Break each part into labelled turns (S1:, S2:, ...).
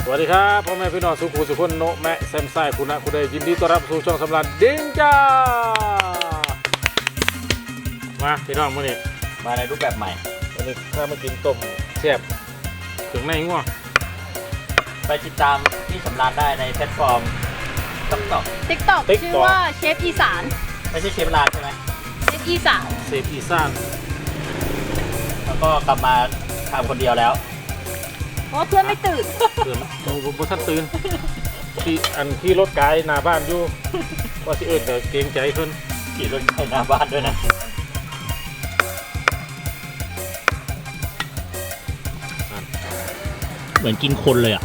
S1: วัสดีครับพ่อแม่พี่น้องสุขุสุขคนโนแม่แซมไซคุณนะคุณได้ยินดีต้อนรับสู่ช่องสำราญดิ้งจ้ามาพี่น้องมื้อนี้
S2: มาในรูปแบบใหม่
S1: วันนี้ถ้ามากินต้มแซ่บถึงในงัว
S2: ไปติดตามที่สำราญได้ในแพลตฟอร์ม
S3: TikTok ชื่อว่าเชฟอีสาน
S2: ไม่ใช่เชฟลานใช่ไหม
S3: เชฟอีสาน
S1: เชฟอีสาน
S2: แล้วก็กลับมาทำคนเดียวแล้ว
S3: เพราะเพื่อนไม่ตื่น
S1: ผมท่านตื่นขี่รถไกลหน้าบ้านอยู่ว่าสิแต่เกรงใจเพิ่น
S2: ขี่รถไกลหน้าบ้านด้วยนะเหมือนกินคนเลยอ่ะ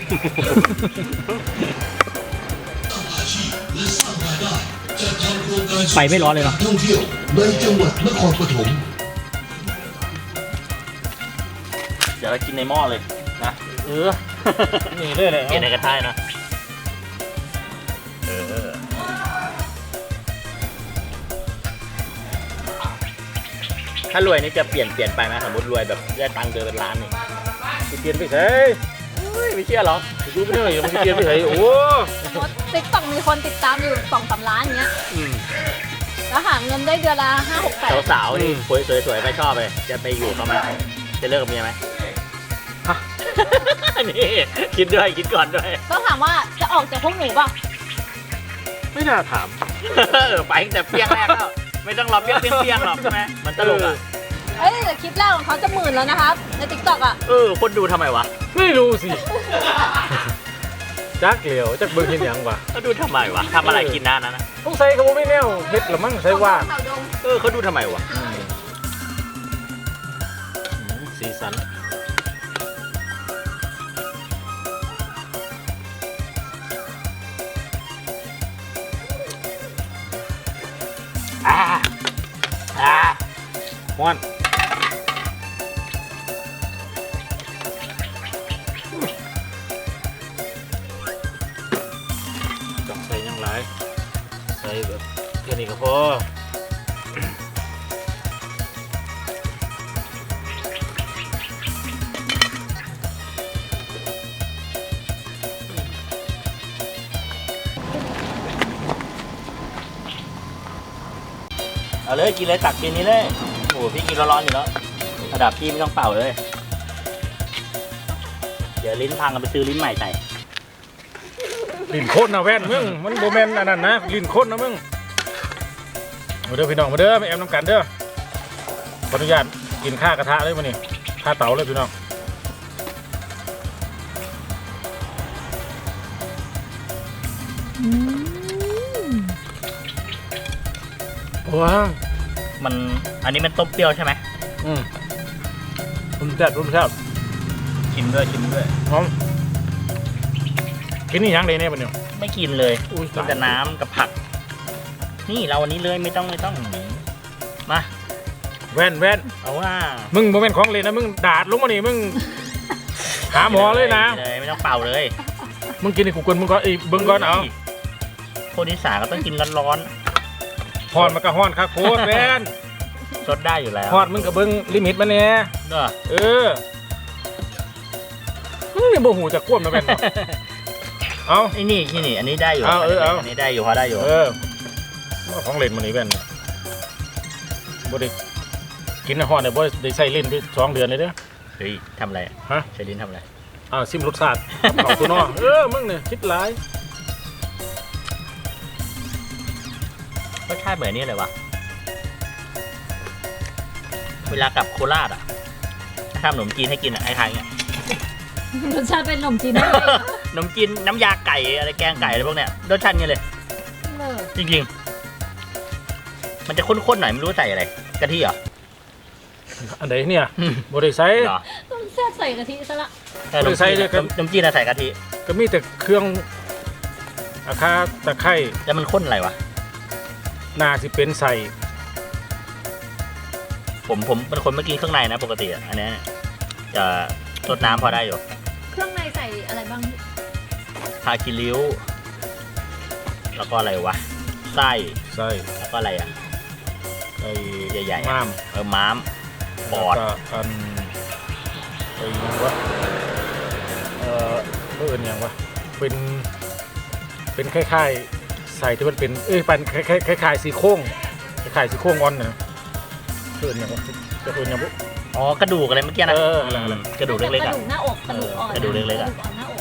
S2: ไปไม่ร้อนเลยเนาะท่องเที่ยวในจังหวัดนครปฐมเดี๋ยวเรากินในหม้อเลยนะ
S1: นี่เลยเลย
S2: กินในกระทะนะถ้ารวยนี่จะเปลี่ยนไปไหมสมมติรวยแบบได้ตังค์เดือนเป็นล้านนี่
S1: เปลี่ยนไปใช่
S2: ไม่เชื่อหรอ
S1: ดูไม่ได้มันเปลี่ยนไปใช่โอ้
S3: TikTokมีคนติดตามอยู่ 2-3 ล้านอย่างเงี้ยแล้วหาเงินได้เดือนละ5-6
S2: สาวๆนี่สวยๆไม่ชอบเลยจะไปอยู่เขาไหมจะเลิกกับเมียไหมนี่คิดด้วยคิดก่อนด้วย
S3: ต้องถามว่าจะออกจากพวกหนูป่ะ
S1: ไม่น่าถาม
S2: ไปแต่เปี้ยงแรกแล้วไม่ต้องรอเปี้ยงหรอกใช่ไหมมันตลกอ่ะ
S3: แต่คลิปแรกของเขาจะ10,000แล้วนะครับใน TikTok อ่ะ
S2: คนดูทำไมวะ
S1: ไม่รู้สิจักเหลียวจักเบิ่งเห็นยังวะ
S2: เขาดูทำไมวะทำอะไรกินนั้นนะ
S1: ต้องใส่เขาไม่แน่วเฮ็ดหรือมั้งใส่ว่า
S2: เขาดูทำไมวะ
S1: สีสันม้วนต้องใส่ยังไรใส่แบบแค่นี้ก็พอ
S2: เอาเลยกินเลยตักกินนี้เลยโอ้พี่กินร้อนๆอยู่แล้วระดับพี่ไม่ต้องเป่าเลยเดี๋ยวลิ้นพังกันไปซื้อลิ้นใหม่ใส่
S1: ลิ้นโคตรนะแว่นมึงมันโบแมนอันนั้นนะลิ้นโคตรนะมึงมาเด้อพี่น้องมาเด้อมาแอมน้ำกันเด้อขออนุญาตกินข้ากระทะเลยมานี่ข้าเต๋าเลยพี่น้องว้า
S2: อันนี้มันต้มเปรี้ยวใช่ไหม
S1: ผมแซ่บ
S2: ชิมด้วย
S1: หอมกินนี่ยังเลยเนี่ยมันเนี่ย
S2: ไม่กินเลยกินแต่น้ำกับผักนี่เราวันนี้เลยไม่ต้องมา
S1: แว่น
S2: เอาว่า
S1: มึงโมเมนต์ของเลยนะมึงดาดลงมานี่มึงหาหมอเลยนะ
S2: ไม่ต้องเป่าเลย
S1: มึงกินในกูเกินมึงก็เบิ้งก่อนเอา
S2: คนอีสานก็ต้องกินร้อน
S1: ฮอนมันก็ฮอนครับโคตรแว่น
S2: สดได้อยู่แล้ว
S1: ฮอนมึงกับเบิ้งลิมิตมันเนี่ยนี่โมโหจะควบนะแว่นเอา
S2: ไอ้นี่อันนี้ได้อยู่อันนี้ได้อยู่พอได้อยู่
S1: ของเล่นมันนี่แว่นบ่ได้กินฮอนแต่บ่ได้ใส่ลิ้นไป2 เดือนเลยเด้อ
S2: เฮ้ยทำอะไรใส่ลิ้นทำอะไร
S1: ซิมรสชาติของตัวนอมึงเนี่ยคิดหลาย
S2: รสชาติเหมือนนี่เลยวะเวลากับโคราชทำขนมจีนให้กินไอ้ทางเนี้ย
S3: รสชาติเป็นขนมจีนได้
S2: ขนมจีนน้ำยาไก่อะไรแกงไก่อะไรพวกเนี้ยรสชาติเงี้ยเลยจริงๆมันจะข้นๆหน่อยไม่รู้ใส่อะไรกะทิเหรอ
S1: อันไหนเนี่ยบริไซ
S3: ต้องแซ่บใส่กะทิซะละ
S1: บริไซเลย
S2: ขนมจีนใส่กะทิ
S1: ก็มีแต่เครื่องอาคาตะไคร้
S2: แล้วมันข้นอะไรวะ
S1: น่าสิเป็นใส่
S2: ผมเป็นคนเมื่อกี้เครื่องในนะปกติอันนี้จะรดน้ำพอได้อยู่
S3: เครื่องในใส่อะไรบ้าง
S2: ทาคิริ้วแล้วก็อะไรวะไส้แล้วก็อะไรไอ้ใหญ่ๆม้ามปอด
S1: อันไอ้วะเอิ้นหยังวะเป็นคล้ายๆใส่ที่มันเป็นเป็นคล้ายๆซี่โครงคล้ายๆซี่โครงอ่อนนะเอิ้นหยังวะจะเอิ้นหยังบุ
S2: อ๋อกระดูกอะไรเมื่อกี้นะ
S1: อะไร
S2: กระดูกเล็กๆ
S3: ก
S2: อ่ะ
S3: ระดูกหน้าอกกระดูกอ่อน
S2: กระดูกเล็กๆอะ
S3: ระดูอ่อนหน้าอก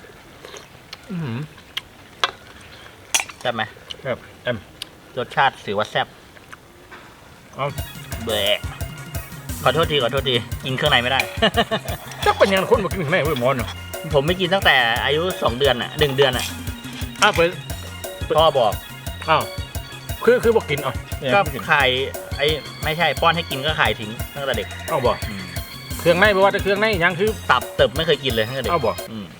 S2: ใช่ไหม
S1: ครับ
S2: รสชาติถือว่าแซ่บ
S1: เอา
S2: เบะขอโทษทีกินเครื่องในไม่ได้
S1: จักเป็นยังคนมากินถึงไหนเว้ยหมอนเนาะ
S2: ผมไม่กินตั้งแต่อายุ2 เดือนอ่ะ1 เดือนอ่ะ
S1: เปิด
S2: พ่อบอก
S1: อ้าวคือบอกกินเนี่ย
S2: ก็
S1: กิน
S2: ขายไม่ใช่ป้อนให้กินก็ขายทิ้งตั้งแต่เด็ก
S1: เอาบอกเครื่องในไม่ว่าจะเครื่องในยังคือ
S2: ตับเติบไม่เคยกินเลยตั้งแต่เด็ก
S1: เอาบอก
S2: อืม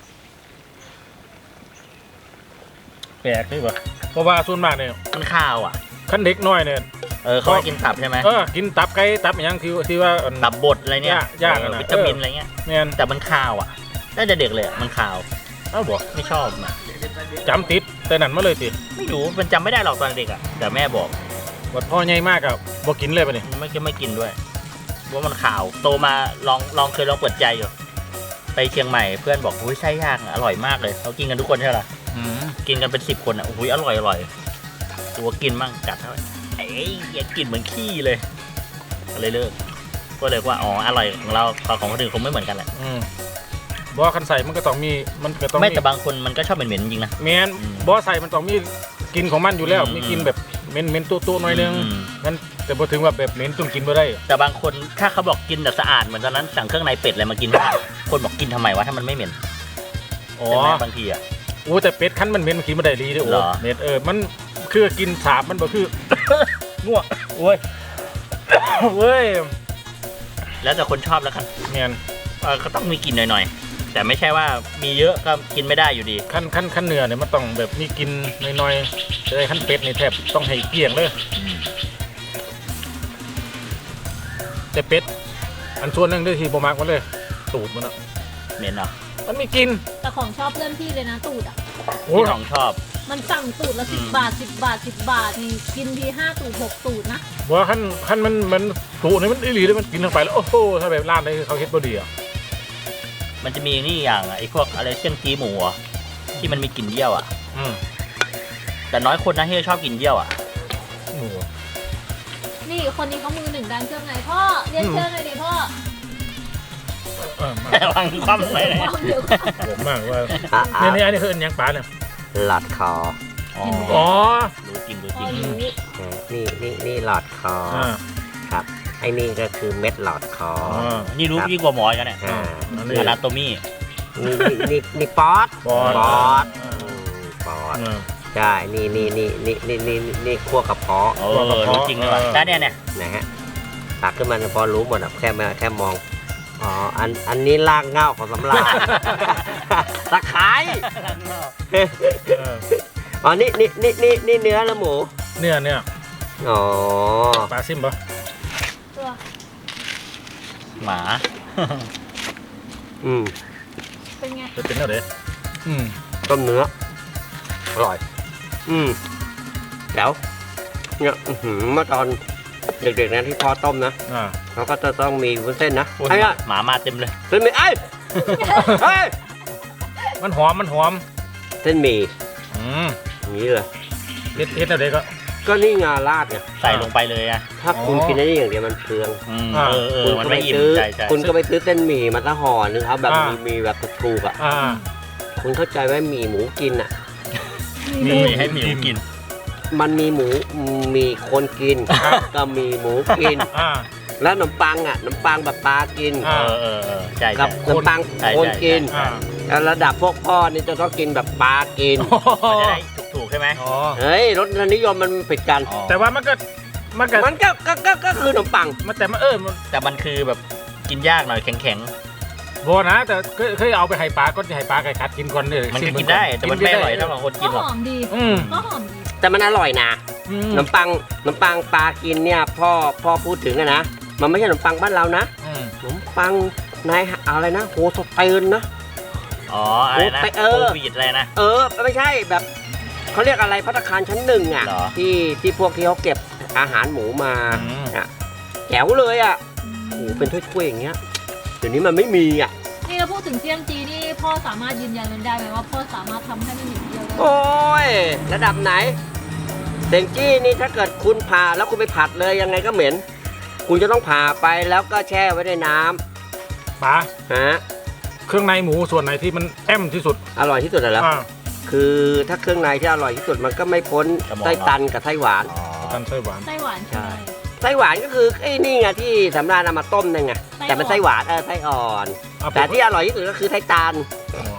S1: แปลกใช่ปะเพราะว่าส่วนมากเนี่ย
S2: มันข้าวอ่ะ
S1: ขั้นเด็กน้อยเนี่ย
S2: เขาให้กินตับใช่ไหม
S1: กินตับไก่ตับอย่างที่ว่า
S2: ตับบดอะไรเนี่ย
S1: ยากอะนะ
S2: วิตามินอะไรเงี้ย
S1: เนี่ย
S2: แต่มันข้าวอ่ะตั้งแต่เด็กเลยอะมันข้าว
S1: เอาบอก
S2: ไม่ชอบอ่ะ
S1: จำติดแต่นั่นมาเลยติ
S2: ไม่รู้มันจำไม่ได้หรอกตอนเด็กอ่ะแต่แม่บอก
S1: วัดพ่อใหญ่มากอะบอกกินเลยปะนี่
S2: ไม่กินด้วยว่ามันข่าวโตมาเคยลองเปิดใจอยู่ไปเชียงใหม่เพื่อนบอกอุ้ยไส้ย่างอร่อยมากเลยเขากินกันทุกคนใช่ไหมล่ะกินกันเป็น10 คนอ่ะอุ้ยอร่อยตัวกินมั่งจัดเท่าไหร่อย่ากินเหมือนขี้เลยก็เลยเลิกก็เลยว่าอ๋ออร่อยของเราของคนอื่นคงไม่เหมือนกันแหละ
S1: บอคันใส่มันก็ต้องมี
S2: ไม่แต่บางคนมันก็ชอบเหม็นๆจริงนะ
S1: แมนบอใส่มันต้องมีกินของมันอยู่แล้วมีกินแบบเหม็นตัวหน่อยนึงงั้นแต่พอถึงว่าแบบเหม็นจนกินไม่ได้
S2: แต่บางคนถ้าเขาบอกกินแต่สะอาดเหมือนตอนนั้นสั่งเครื่องในเป็ดอะไรมากิน คนบอกกินทำไมวะถ้ามันไม่เหม็น
S1: อ๋อ
S2: ใช่ไหมบางทีอ่ะ
S1: โอ้แต่เป็ดคั้นมันเหม็นมันกินไม่ได้ดีด้วยโอ้
S2: เหรอ
S1: เม็ดมันคือกินสาบมันบ่คือ ง่วงโอ้ยเว้ย
S2: แล้วแต่คนชอบแล้วครับ
S1: แมน
S2: ก็ต้องมีกินหน่อยๆแต่ไม่ใช่ว่ามีเยอะก็กินไม่ได้อยู่ดี
S1: ขั้นเนื้อเนี่ยมันต้องแบบมีกินหน่อยๆแต่ขั้นเป็ดนี่แทบต้องให้เกลี้ยงเลยแต่เป็ดอันส่วนหนึงด้วยที่บ่มักมันเลยตูดมันอะ
S2: เหม็นเหรอ
S1: มันไม่กิน
S3: แต่ของชอบเพื่อนพี่เลยนะตูดอ่ะ
S1: โอ้
S2: พี่ของชอบ
S3: มันสั่งตูดละ10 บาท10 บาท10 บาทนี่กินที5 ตูด6 ตูดนะ
S1: บอกว่าขั้นมันตูดนี่มันอีหลีเลยมันกินลงไปแล้วโอ้โหถ้าแบบร้านไหนเขาเฮ็ดบ่ดีอ่ะ
S2: มันจะมีนี่อย่างไอ้พวกอะไรเสี่ยงจีหมูอะที่มันมีกลิ่นเยี่ยวอ่ะแต่น้อยคนนะที่จะชอบกินเยี่ยวอ่ะ
S1: โอ้โห
S3: นี่คนนี้เขามือ1ด้านเครื่องในพ่อเรียนเชิญหน่อยดิพ่อ
S2: วางความไว้เลย
S3: ความเดี๋ยว
S1: ผมมากว่าเนี่ยอันนี้คืออันยังปลาเนี่ย
S4: หลอดคอ
S1: อ๋อ
S2: รู้จริง
S3: พ่อรู้
S4: นี่หลอดคอครับไอ้นี่ก็คือเม็ดหลอดคอ
S2: นี่รู้ยิ่งกว่าหมอกันเนี่ย
S1: อัน
S2: อนาโตมี่
S4: นี่ป๊อด
S1: ปอด
S4: ปอดใช่นี่คั่วกระเพาะ
S2: รู้จริงเลยว่ะแต่เนี่ย
S4: นะฮะตักขึ้นมาพอรู้หมดแค่มองอ๋ออันนี้รากเหง้าของสำราญตะไคร้อ๋อนี่เนื้อแล้วหมู
S1: เนี่ย
S4: อ๋อ
S1: ปลาซิมปะ
S3: ตัว
S2: หมา
S3: เป็นไง
S1: จะเป็นอะไร
S4: ต้มเนื้ออร่อยแล้วเนี่ยเมื่อตอนเด็กๆนะที่พ่อต้มนะเขาก็จะต้องมีวุ้นเส้นนะไอ้
S2: หมามาเต็มเลย
S4: เส้นหมี่เฮ้ย
S1: มันหอม
S4: เส้นหมี่อย่างนี้เลย
S1: เฮ็ดอะไรก็
S4: นี่งาราดไง
S2: ใส่ลงไปเลยอ่ะ
S4: ถ้าคุณกินได้อย่างเดียวมันเปลือง
S2: มัน
S4: คุณก็ไป
S2: ไม่อิ่ม
S4: ซื้อ
S2: ใจ
S4: คุณก็ไปซื้อเส้นหมี่มาซะห่อนึงครับแบบมีแบบถูกๆอ่ะคุณเข้าใจไหมหมี่หมูกินอ่ะ
S2: มีให้หมิวกิน
S4: มันมีหมูมีคนกินก็มีหมูกินแล้วขนมปังแบบปลากิน
S2: ใช่
S4: กับขนมปังคนกิน แล้วระดับพวกพ่อนี่จะต้องกินแบบปลากิน
S2: จะได้ถูกใช่ไหม
S4: เฮ้ยรสนิยมมันผิดกัน
S1: แต่ว่ามันก็
S4: คือขนมปัง
S1: แต่
S2: มันคือแบบกินยากหน่อยแข็ง
S1: โบนะแต่เคยเอาไปให้ปลาก็จะให้ปลาไก่กัดกินก่อนเลย
S2: มันก็กินได้แต่มันไม่อร่อยเท่าของคนกินหรอก
S3: หอมดีก็หอมดี
S4: แต่มันอร่อยนะขนมปังปลากินเนี่ยพ่อพูดถึงนะมันไม่ใช่ขนมปังบ้านเรานะขนมปังนายอะไรนะโฮสเตนนะ
S2: อ๋ออะไรนะโควิดอะไรนะ
S4: ไม่ใช่แบบเขาเรียกอะไรภัตตาคารชั้น1อ่ะที่พวกที่เขาเก็บอาหารหมูมาแจ๋วเลยอ่ะโอ้เป็นถ้วยๆอย่างเงี้ยเดี๋ยวนี้มันไม่มีอ่ะ
S3: นี่เราพูดถึงเสี่ยงจีนี่พพ่อสามารถยืนยันมันได้ไหมว่าพ่อสามารถทำให้มันเหม็นเดียวได้
S4: โอ้ยระดับไหนเต็งจี้นี่ถ้าเกิดคุณผ่าแล้วคุณไปผัดเลยยังไงก็เหม็น คุณจะต้องผ่าไปแล้วก็แช่ไว้ในน้
S1: ป๋า
S4: ำฮะ
S1: เครื่องในหมูส่วนไหนที่มันแอมที่สุด
S4: อร่อยที่สุดแล้ว
S1: อ่า
S4: คือถ้าเครื่องในที่อร่อยที่สุดมันก็ไม่พ้นไส้ตันกับไส้หวาน
S1: กันไส้หวาน
S3: ไส้หวานใช่ไหม
S4: ไส้หวานก็คือไอ้นี่ไงที่สำราญเอามาต้มนั่นไง
S3: ไส้อ่อน
S4: แต่เป็นไส้หวานไส้อ่อน
S1: เอา
S4: แต่ที่อร่อยที่สุดก็คือไส้ตัน
S1: อ๋อ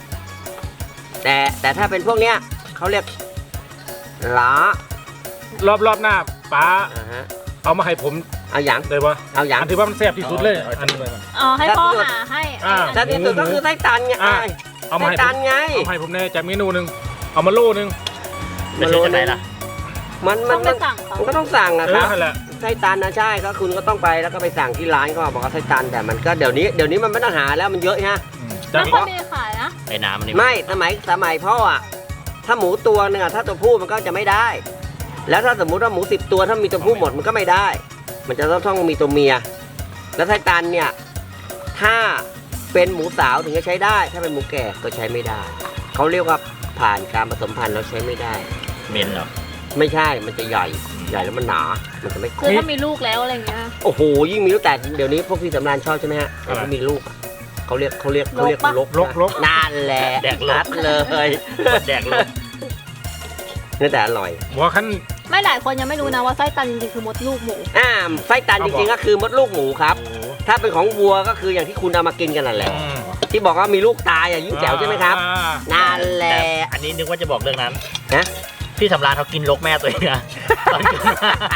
S4: แต่ถ้าเป็นพวกเนี้ยเขาเรียกล้าร
S1: อบหน้าป๋า
S4: ฮะ
S1: เอามาให้ผม
S4: เอาอย่าง
S1: ได้ปะ
S4: เอาอย่าง
S1: อันที่ว่ามันแซ่บที่สุดเลยอันนี้
S3: อ๋อให้พ่อหาให้
S1: อ่า
S4: แต่ที่สุดก็คือไส้ตันไง
S1: อ่ะ เอามา
S4: ไส้
S1: ให้ผ
S4: ตัน
S1: ม
S4: ไง
S1: เอาให้ผมแน่จากเมนูหนึ่งเอามาโลนึง
S2: จะซื้อจากไหนล่ะ
S4: มัน
S3: ต้องไปสั่งเขา
S4: มันก็ต้องสั่งนะ
S1: เอ
S4: ค
S1: อ
S4: รับ
S1: นั่นแหละ
S4: ไส้ตันนะใช่ก็คุณก็ต้องไปแล้วก็ไปสั่งที่ร้านก็บอกว่าไส้ตันแต่มันก็เดี๋ยวนี้มันไม่ต้องหาแล้วมันเยอะฮะ
S1: จา
S3: ไม่
S1: ก
S3: ค่อยมีขายนะ
S2: ไอ้น้ำมันนี่
S4: ไม่สมัยพ่ออ่ะถ้าหมูตัวหนึงอ่ะถ้าตัวผู้มันก็จะไม่ได้ แล้วถ้าสมมุติว่าหมู10 ตัวถ้ามีตัวผู้หมดมันก็ไม่ได้ มันจะต้องมีตัวเมีย แล้วไส้ตันเนี่ยถ้าเป็นหมูสาวถึงจะใช้ได้ ถ้าเป็นหมูแก่ก็ใช้ไม่ได้เขาเรียกว่าผ่านการผสมพันธุ์แล้วใช้ไม่ได้
S2: เหม็นเหรอ
S4: ไม่ใช่มันจะใหญ่แล้วมันหนา มันจะไม่
S3: คือถ้ามีลูกแล้วอะไรเงี้ย
S4: โอ้โหยิ่งมีลูกแต่เดี๋ยวนี้พวกพี่สำราญชอบใช่ไหมฮะแต่ที่มีลูกอะเขาเรียกลก
S1: ลก
S4: นั่นแหละ
S2: แดกลก
S4: นัดเลย
S2: แดกลง
S4: นี่แต่อร่อย
S1: หัวขั้น
S3: ไม่หลายคนยังไม่รู้นะว่าไส้ตันจริงๆคือมดลูกหมู
S4: ไส้ตันจริงๆก็คือมดลูกหมูครับ
S1: โอ้โห
S4: ถ้าเป็นของวัวก็คืออย่างที่คุณเอามากินกันนั่นแหละ
S1: อืม
S4: ที่บอกว่ามีลูกตายอ่ะยิ่งแจ๋วใช่ไหมครับ
S1: อ่า
S4: นั่นแหละ
S2: แต่อันนี้นึกว่าจะบอกเรื่องนั้น
S4: นะ
S2: พี่สำราญเขากินลกแม่ตัวเองนะตอนกินมา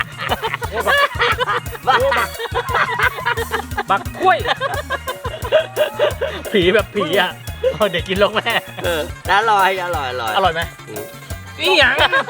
S1: บักกล้วย
S2: ผีแบบผีอ่ะเอาเด็กกินลกแม่
S4: อร่อย
S2: อร่อยไหม
S1: อีหยัง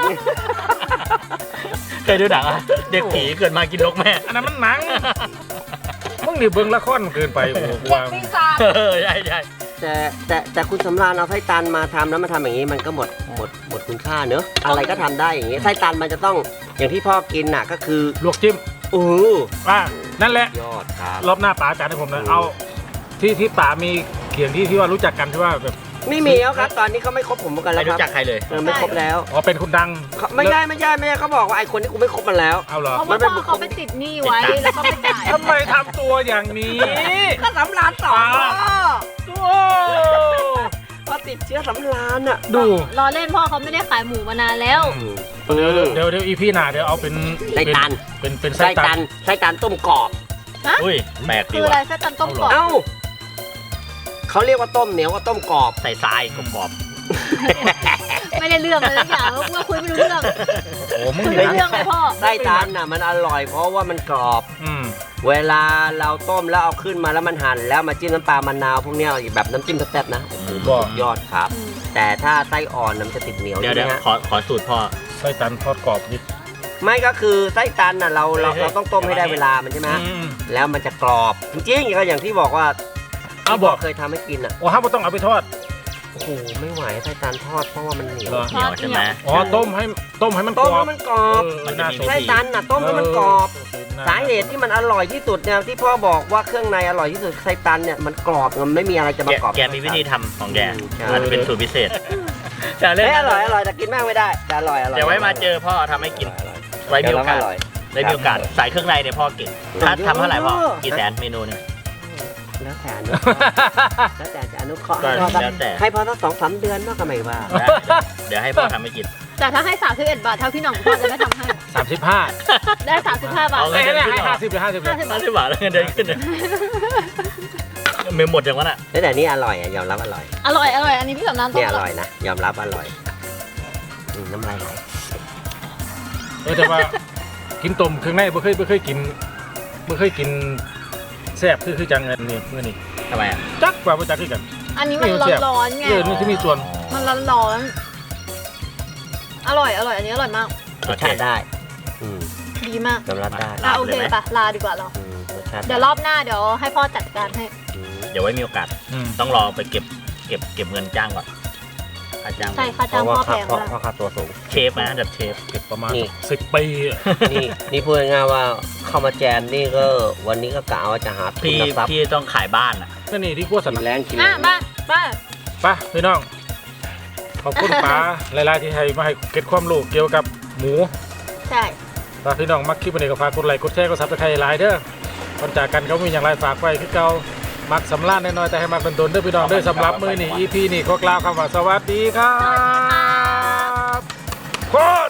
S2: เคยดูหนังอ่ะเด็กผีเกิดมากินลกแม่
S1: อันนั้นมันหนังมึงนี่เบิ่งละครเกินไปโอ้โหกวาง
S3: ปีศาจ
S2: ใช่ใช่
S4: แต่คุณสำราญเอาไส้ตันมาทำแล้วมาทำอย่างนี้มันก็หมดคุณค่าเนอะอะไรก็ทำได้อย่างนี้ไส้ตันมันจะต้องอย่างที่พ่อกินน่ะก็คือ
S1: ลวกจิ้ม อ่านั่นแหละ
S4: ยอดครับ
S1: รอบหน้าป๋าจัดให้ผมนะเอาที่ป๋ามีเขียงที่ว่ารู้จักกันที่ว่าแบบ
S4: ไม่มีแล้วครับ ตอนนี้เขาไม่คบผมกัน
S2: ไม่
S4: แล้วค
S2: รู้
S4: รับ
S2: จักใครเลย
S4: ไม่คบแล้ว
S1: อ๋อเป็นคนดัง
S4: ไม่ใช่เขาบอกว่าไอ้คนที่กูไม่คบมันแล้ว
S1: เอาเหรอ
S3: เพราะว่าพ่อเขาไปติดหนี้ไว้แล้วก็ไปจ่าย
S1: ทำไมทำตัวอย่างนี้
S4: ก็สำรานสอง
S1: โอ้
S4: พอติดเชื้อสำรานอ่ะ
S1: ดู
S3: รอเล่นพ่อเขาไม่ได้ขายหมูมานานแล้ว
S1: เดี๋ยวอีพี่หน้าเดี๋ยวเอาเป็น
S4: ไส้ตัน
S1: เป็น
S4: ไส้ตันต้มกรอบ
S2: อุ้ยแปลกดี
S3: คืออะไร
S2: ว่ะ
S3: ไส้ตันต้มกรอบ
S4: เอ้าเขาเรียกว่าต้มเหนียวว่าต้มกรอบ
S2: ใส่ทรายกรอบ
S3: ไม่ได้เรื่องเลยสักอย่างว่าคุยไม่รู้เรื่อง
S1: โอ้มึง
S3: คุย
S1: นี่
S3: ไม่
S1: นะ
S3: เรื่องเลยพ่อ
S4: ไส้ตันน่ะมันอร่อยเพราะว่ามันกรอบ
S1: อืม
S4: เวลาเราต้มแล้วเอาขึ้นมาแล้วมันหั่นแล้วมาจิ้มน้ำปลามะนาวพวกเนี้ยแบบน้ำจิ้มแซ่บๆนะโอ้โห
S1: บอก
S4: ยอดครับ แต่ถ้าไส้อ่อนน่ะมันจะติดเหนียว
S2: เดี๋ยว
S4: ใช่
S2: เดี๋ยว
S4: ไหมฮะ
S2: ขอสูตรพ่อ
S1: ไส้ตันทอดกรอบนิด
S4: ไม่ก็คือไส้ตันน่ะเรา
S2: เฮ้ย
S4: ต้องต้มให้ได้เวลามันใช่ไหมฮะ
S1: อืม
S4: แล้วมันจะกรอบจริงๆก็อย่างที่บอกว่า
S1: เอา
S4: ที่
S1: บอก
S4: เคยทำให้กินอ่ะ
S1: โอ้ห้ามต้องเอาไปทอด
S4: โอ้โหไม่ไหวไส้ตันทอดเพราะว่ามันเหนียว
S1: เหรอ
S2: เหนียวใช่ไหม
S1: อ๋อต้มให้มันก
S4: ต้ม
S1: รอบ
S4: ให้มันกรอบ
S2: มันจะมี
S1: น่าสน
S4: ไส้ตันน่ะต้มให้มันกรอบ
S1: น่
S4: สาเหตุที่มันอร่อยที่สุดเนี่ยที่พ่อบอกว่าเครื่องในอร่อยที่สุดไส้ตันเนี่ยมันกรอบมันไม่มีอะไรจะมา
S2: แก
S4: กรอบ
S2: แกมีวิธีทำของแก
S4: ใช่
S2: อาจจะเป็นสูตรพิเศษจะเล่น
S4: เฮ้ยอร่อยแต่กินมากไม่ได้แต่อร่อย
S2: เดี๋ยวไว้มาเจอพ่อทำให้กิน ไว้มีโอกาส
S4: อร่อย
S2: ได้มีโอกาสใส่เครื่องในเนี่ยพ่อเก่งถ้าทำเท่าไหร่พ่อกี่แสนเมนูหนึง
S4: แล้วแต่อนุเคราะห์แล้วแต่จะอนุเคราะห์
S2: ก็
S4: ให้พ่อสัก
S2: แล้วแต่
S4: ให้พ่อสัก2-3 เดือนมากก็ไม่ว่า
S2: ได้เดี๋ยวให้พ่อทำให้กิน
S3: แต่ถ้าให้31 บาทเท่าพี่หน่องพ่อจะไม่ทำให้
S1: 35
S3: ได้35 บาท
S2: เอา
S1: เอ้ยเนี่ยให้50หรือ50เลย
S3: 50 บาท
S2: 50 บาทแล้วเงินเดือนขึ้นเนี่ยเมมหมดอย่างนั้นอ่ะ
S4: แต่นี่อร่อยยอมรับอร่อย
S3: อร่อยอันนี้พี่สำนานต้
S4: เนี่
S3: ม
S4: ยอร่อยนะยอมรับอร่อยน้ำลายไหล
S1: แต่ว่ากินต้มเครื่องในไม่เคยกินแซ่บคือจังอันนี้มื้อนี้
S2: ทำไมอ่ะ
S1: จักว่าบ่จักคือกัน
S3: อันนี้มันร้อนๆไง
S1: นี่ที่มีส่วน
S3: มันร้อนๆอร่อยอันนี้อร่อยมาก
S4: รสชาติได้อืม
S3: ดีมาก
S4: ยอมรับได้
S3: โอเคปะลาดีกว่าเรา
S4: รสชาติ
S3: เดี๋ยวรอบหน้าเดี๋ยวให้พ่อจัดการให้
S2: เดี๋ยวไว้มีโอกาส ต้องรอไปเก็บเงินจ้างก่อนค่าจ้าง
S3: ใช่ค่า
S4: เพ
S3: จ้าง
S4: ราะว่า
S3: พ่อแพงมาก
S4: เพราะค่าตัวสูง
S2: เชฟนะอันดับเชฟ
S1: เก็บประมาณ
S4: นี่
S1: 10 ปีอะ
S4: นี่พูดง่ายๆว่าเข้ามาแจมนี่ก็วันนี้ก็กะว่าจะหาทุน
S2: พี่
S4: ทรัพย์
S2: พี่ต้องขายบ้านอ่ะ
S1: นั่นนี่ที่พวกสัน
S4: กินแรงกิน
S3: อ่ะมาไป
S1: ไปพี่น้องขอบคุณป๋าหลายๆที่ให้มาให้เก็ตความรู้เกี่ยวกับหมู
S3: ใช่
S1: ถ้าพี่น้องมักคลิปนี้ก็ฝากกดไลค์กดแชร์กดซับสไครต์หลายเด้อก่อนจากกันก็มีอย่างไรฝากไว้คือเก่ามักสำลักน้อยๆแต่ให้มักโดนๆเด้อพี่น้องเด้อสำหรับมื้อนี้ EP นี้ขอกล่าวคำว่าสวัสดีครับโคตร